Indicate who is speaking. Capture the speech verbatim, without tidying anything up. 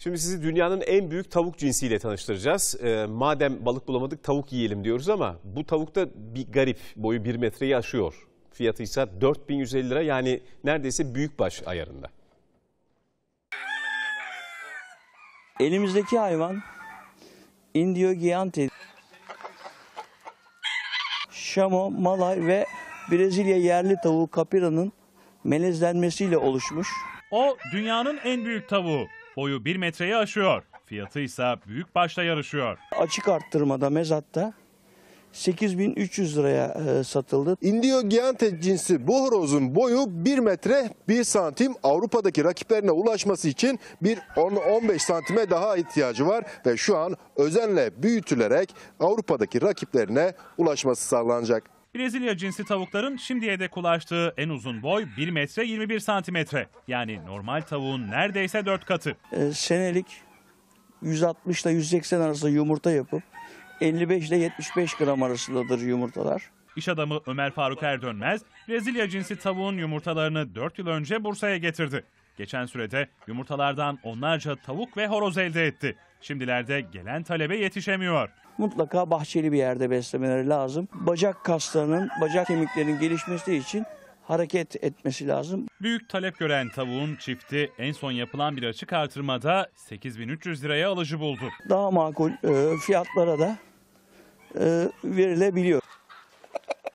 Speaker 1: Şimdi sizi dünyanın en büyük tavuk cinsiyle tanıştıracağız. Ee, madem balık bulamadık tavuk yiyelim diyoruz ama bu tavuk da bir garip, boyu bir metreyi aşıyor. Fiyatı ise dört bin yüz elli lira, yani neredeyse büyükbaş ayarında.
Speaker 2: Elimizdeki hayvan Indio Giante, Şamo, Malay ve Brezilya yerli tavuğu Capira'nın melezlenmesiyle oluşmuş.
Speaker 3: O dünyanın en büyük tavuğu. Boyu bir metreyi aşıyor. Fiyatı ise büyükbaşla yarışıyor.
Speaker 2: Açık arttırmada mezatta sekiz bin üç yüz liraya e, satıldı.
Speaker 4: Indio Giante cinsi bu horozun boyu bir metre bir santim. Avrupa'daki rakiplerine ulaşması için bir on on beş santime daha ihtiyacı var ve şu an özenle büyütülerek Avrupa'daki rakiplerine ulaşması sağlanacak.
Speaker 3: Brezilya cinsi tavukların şimdiye dek ulaştığı en uzun boy bir metre yirmi bir santimetre. Yani normal tavuğun neredeyse dört katı.
Speaker 2: E, senelik yüz altmış ile yüz seksen arası yumurta yapıp elli beş ile yetmiş beş gram arasındadır yumurtalar.
Speaker 3: İş adamı Ömer Faruk Erdönmez, Brezilya cinsi tavuğun yumurtalarını dört yıl önce Bursa'ya getirdi. Geçen sürede yumurtalardan onlarca tavuk ve horoz elde etti. Şimdilerde gelen talebe yetişemiyor.
Speaker 2: Mutlaka bahçeli bir yerde beslemeleri lazım. Bacak kaslarının, bacak kemiklerinin gelişmesi için hareket etmesi lazım.
Speaker 3: Büyük talep gören tavuğun çifti en son yapılan bir açık artırmada sekiz bin üç yüz liraya alıcı buldu.
Speaker 2: Daha makul e, fiyatlara da e, verilebiliyor.